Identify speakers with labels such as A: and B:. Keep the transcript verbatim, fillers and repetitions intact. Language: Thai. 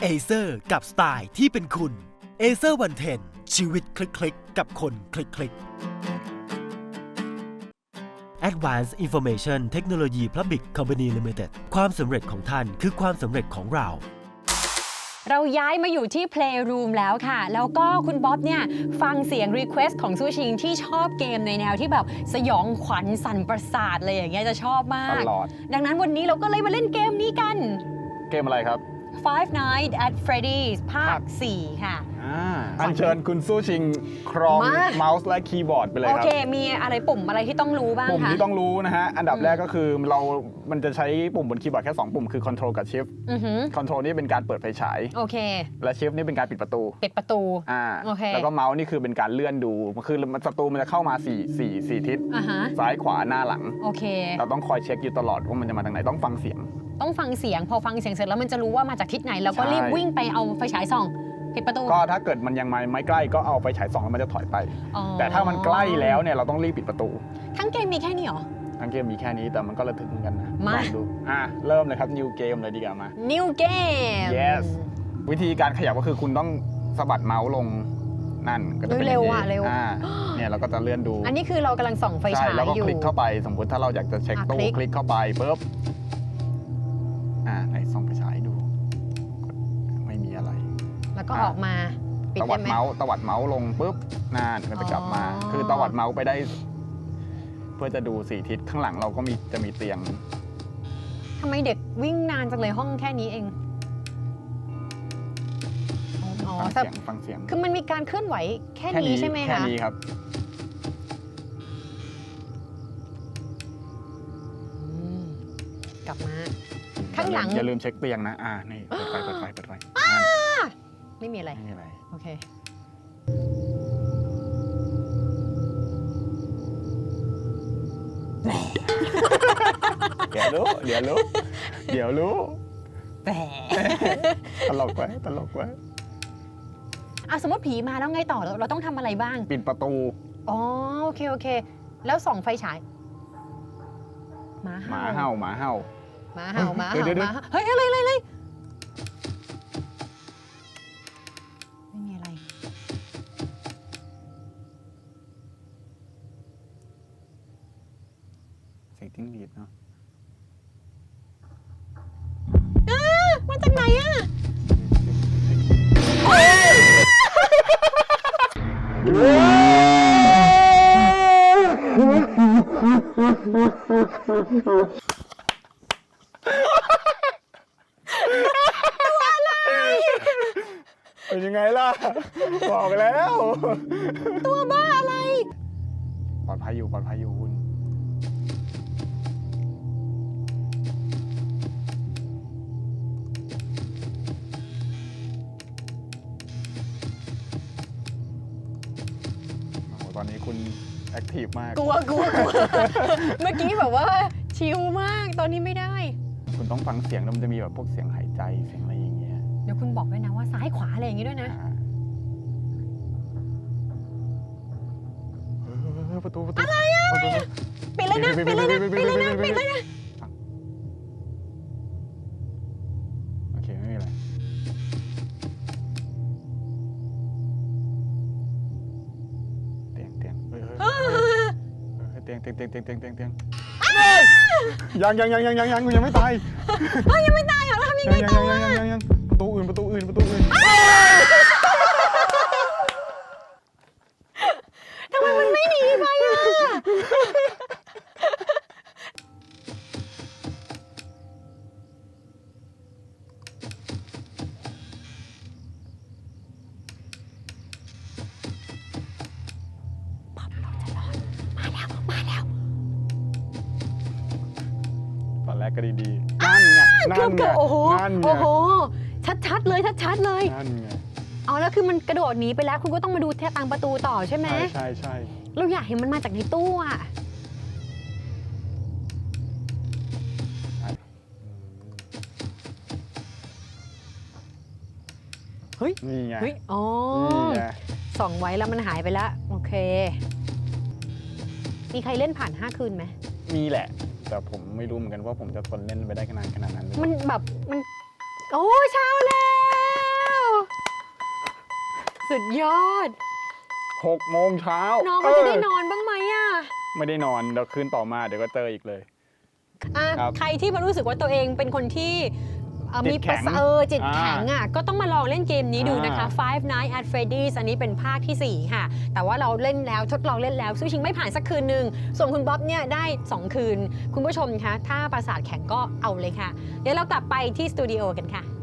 A: Acer กับสไตล์ที่เป็นคุณ Acer วันเทนชีวิตคลิกๆกับคนคลิกๆ Advanced Information Technology Public Company Limited ความสำเร็จของท่านคือความสำเร็จของเรา
B: เราย้ายมาอยู่ที่ Playroom แล้วค่ะแล้วก็คุณบ๊อบเนี่ยฟังเสียง Request ของซูชิงที่ชอบเกมในแนวที่แบบสยองขวัญสั่นประสาทเลยอย่างเงี้ยจะชอบมากตลอดดังนั้นวันนี้เราก็เลยมาเล่นเกมนี้กัน
C: เกมอะไรครับ
B: Five Nights at Freddy's ภาค สี่ค่ะ
C: อัญเชิญคุณซูชิงครองเมาส์และคีย์บอร์ดไปเลยครับ
B: โอเคมีอะไรปุ่มอะไรที่ต้องรู้บ้างคะ
C: ปุ่มที่ต้องรู้นะฮะอันดับแรกก็คือเรา มันจะใช้ปุ่มบนคีย์บอร์ดแค่สองปุ่มคือ Control กับ Shift Control นี่เป็นการเปิดไฟฉาย
B: โอเค
C: และ Shift นี่เป็นการปิดประตู
B: ปิดประตู
C: อ่าแล้วก็เมาส์นี่คือเป็นการเลื่อนดูคือศัตรูมันจะเข้ามาสี่ สี่ สี่ทิศซ้ายขวาหน้าหลัง
B: โอเค
C: เราต้องคอยเช็คอยู่ตลอดว่ามันจะมาทางไหนต้องฟังเสียง
B: ต้องฟังเสียงพอฟังเสียงเสร็จแล้วมันจะรู้ว่ามาจากทิศไหนแล้วก็รีบวิ่งไปเอาไฟฉายส่องปิดประตู
C: ก็ถ้าเกิดมันยังไม่ใกล้ก็เอาไฟฉายส่องแล้วมันจะถอยไปแต่ถ้ามันใกล้แล้วเนี่ยเราต้องรีบปิดประตู
B: ทั้งเกมมีแค่นี้เหรอ
C: ทั้งเกมมีแค่นี้แต่มันก็ระทึกเหมือนกันนะมาดูอ่ะเริ่มเลยครับ New Game เลยดีกว่ามา
B: New Game
C: Yes วิธีการขยับก็คือคุณต้องสะบัดเมาส์ลงนั่นก็จะเป็น
B: เร็วอ่ะเร็ว
C: เนี่ยเราก็จะเลื่อนดู
B: อันนี้คือเรากำลังส่องไฟฉายอยู่
C: แล้วก็คลิกเข้าไปสมมติถ้าเราอยากจะเช็คตู้คลิกเข้าไปปุ๊บอ่าไหนส่องไฟฉายดูไม่มีอะไร
B: แล้วก็ออกมา
C: ตวัดเมาส์ตวัดเมาส์ลงปุ๊บนั่นก็จะกลับมาคือตวัดเมาส์ไปได้เพื่อจะดูสี่ทิศข้างหลังเราก็มีจะมีเตียง
B: ทำไมเด็กวิ่งนานจังเลยห้องแค่นี้เอง
C: อ๋อฟังเสียงฟังเสียง
B: คือมันมีการเคลื่อนไหวแค่นี้ใช่ไหมคะ
C: แค่นี้ครับ
B: กลับมาข้างหลัง
C: อย่าลืมเช็คเตียงนะอ่านี่เปิดไฟเปิดไฟเปิดไฟ
B: ไม่มีอะไร
C: ไม่มีอะไร
B: โอเค
C: เดี๋ยวรู้เดี๋ยวรู้เดี๋ยวรู้
B: แต่
C: ตลกไว้ตลกไว้
B: อ่ะสมมติผีมาแล้วไงต่อเราต้องทำอะไรบ้าง
C: ปิดประตู
B: อ๋อโอเคโอเคแล้วส่องไฟฉายหมา
C: เห่าหมาเห่าหมาเห่า
B: หมาเห่าหมาเห่าหมาเฮ้ยอะไรอะไรอะไรไม่มีอะไร
C: เสียงจิ้งหรีดเนาะ
B: มาจากไหนอ่ะ
C: เป็นยังไงล่ะบอกไปแล้ว
B: ตัวบ้าอะไร
C: ปลอดภัยอยู่ปลอดภัยอยู่คุณตอนนี้คุณแอคทีฟมาก
B: กลัวกลัวกลัวเมื่อกี้แบบว่าชิลมากตอนนี้ไม่ได้
C: คุณต้องฟังเสียงแล้วมันจะมีแบบพวกเสียงหายใจเสียงอะไรอย่างเงี้ย
B: เดี๋ยวคุณบอกด้วยนะว่าซ้ายขวาอะไรอย่างงี้ด้วยนะ
C: ประตูประตู
B: อะไรอ่ะปิดเลยนะปิดเลยนะปิดเลยนะปิดเลยนะ
C: โอเคไม่มีอะไรเตียงเตียงเตียงเตียงเตียงเตียงเตียงเตียงเตียงยังยังยังยังยังยังยังไม่ตาย
B: ยังไม่ตายเหรอทำยังไงต่อ
C: ยังยังยังประตูอื่นประตูอื่นประตูอื่น
B: ทำไมมันไม่หนีไปอ่ะป๊อปเราจะรอดมาแล้วมาแล้ว
C: ตอนแรกก็ดีๆนั่นไงนั่นไง
B: โอ้โหโอ้โหชัดๆเลยชัดๆเลย
C: นั่นไง
B: อ๋อแล้วคือมันกระโดดหนีไปแล้วคุณก็ต้องมาดูทางประตูต่อใช่ไหม
C: ใช่ใช่
B: เราอยากเห็นมันมาจากในตู้อ่ะเฮ้ย
C: นี่ไง
B: เฮ้ยอ๋อส่องไว้แล้วมันหายไปแล้วโอเคมีใครเล่นผ่านห้าคืนไหม
C: มีแหละแต่ผมไม่รู้เหมือนกันว่าผมจะทนเล่นไปได้ขนาดขนาดนั้น
B: มันแบบมันโอ้เช้าแล้วสุดยอด
C: หกโมงเช้า
B: น้องเขาจะได้นอนบ้างไหมอ่ะ
C: ไม่ได้นอนเดี๋ยวคืนต่อมาเดี๋ยวก็เจออีกเลย
B: อ่ะ
C: ครับ
B: ใครที่มารู้สึกว่าตัวเองเป็นคนที่เอ่อ
C: จิ
B: มี
C: ต
B: ป
C: แข็
B: ระ
C: ง
B: สาเออจิตแข็ง
C: อ่า
B: อ่ะก็ต้องมาลองเล่นเกมนี้ดูนะคะ
C: อ่า
B: Five Nights at Freddy's อันนี้เป็นภาคที่สี่ค่ะ แต่ว่าเราเล่นแล้วทดลองเล่นแล้วสู้ชิงไม่ผ่านสักคืนหนึ่งส่วนคุณบ๊อบเนี่ยได้สองคืน คุณผู้ชมคะถ้าประสาทแข็งก็เอาเลยค่ะ เดี๋ยวเรากลับไปที่สตูดิโอกันค่ะ